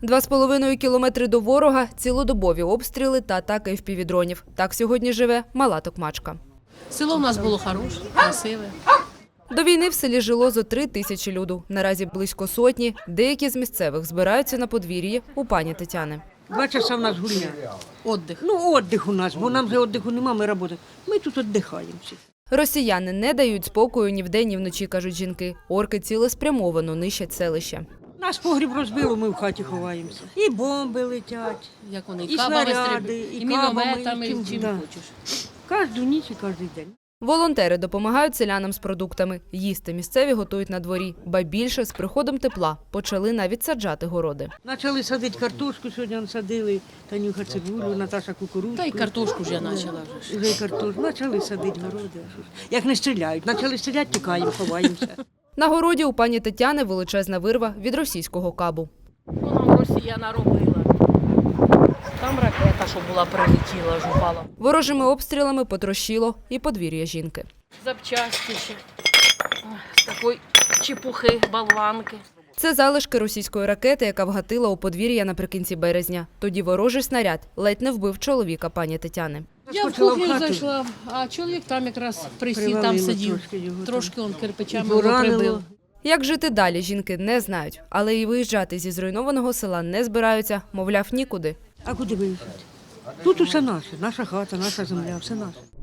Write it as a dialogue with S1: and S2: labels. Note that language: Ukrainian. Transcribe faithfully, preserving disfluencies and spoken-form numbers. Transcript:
S1: Два з половиною кілометри до ворога, цілодобові обстріли та атаки впівдронів. Так сьогодні живе мала Токмачка.
S2: Село в нас було хороше, красиве.
S1: До війни в селі жило зо три тисячі люду. Наразі близько сотні. Деякі з місцевих збираються на подвір'ї у пані Тетяни.
S3: Два часа в нас гульня.
S2: Отдих.
S3: Ну, віддих у нас, бо нам вже віддиху немає, ми працюємо. Ми тут віддихаємо всі.
S1: Росіяни не дають спокою ні вдень, ні вночі, кажуть жінки. Орки цілеспрямовано нищать селище.
S3: Нас погріб розбило, ми в хаті ховаємося. І бомби летять,
S2: Як вони,
S3: і
S2: кабами
S3: снаряди,
S2: стріляють,
S3: і
S2: і мінометами,
S3: кабами, і
S2: і
S3: чим,
S2: чим
S3: да.
S2: хочеш.
S3: Кожну ніч і кожен день.
S1: Волонтери допомагають селянам з продуктами. Їсти місцеві готують на дворі. Ба більше, з приходом тепла почали навіть саджати городи.
S3: Почали садити картошку, сьогодні садили, Танюха цибулю, Наташа кукурудзу.
S2: Та й картошку вже почала вже.
S3: Вже й картошку. Почали садити городи. а що ж. Як не стріляють, почали стріляти, тікаємо, ховаємося.
S1: На городі у пані Тетяни величезна вирва від російського кабу.
S2: Вона Росія наробила. Там ракета, що була, прилетіла, ж упала.
S1: Ворожими обстрілами потрощило і подвір'я жінки.
S2: Запчасті ще. Ой, з такої чепухи, болванки.
S1: Це залишки російської ракети, яка вгатила у подвір'я наприкінці березня. Тоді ворожий снаряд ледь не вбив чоловіка пані Тетяни.
S2: Я в
S3: Скочила в
S2: кухню
S3: хату.
S2: зайшла, а чоловік там якраз присів, там
S3: Привалило
S2: сидів.
S3: трошки його там.
S2: Трошки он кирпичами
S3: І
S2: його
S3: поранило.
S2: прибив.
S1: Як жити далі, жінки не знають. Але і виїжджати зі зруйнованого села не збираються, мовляв, нікуди.
S3: А куди виїжджати? Тут усе наше, наша хата, наша земля, все наше.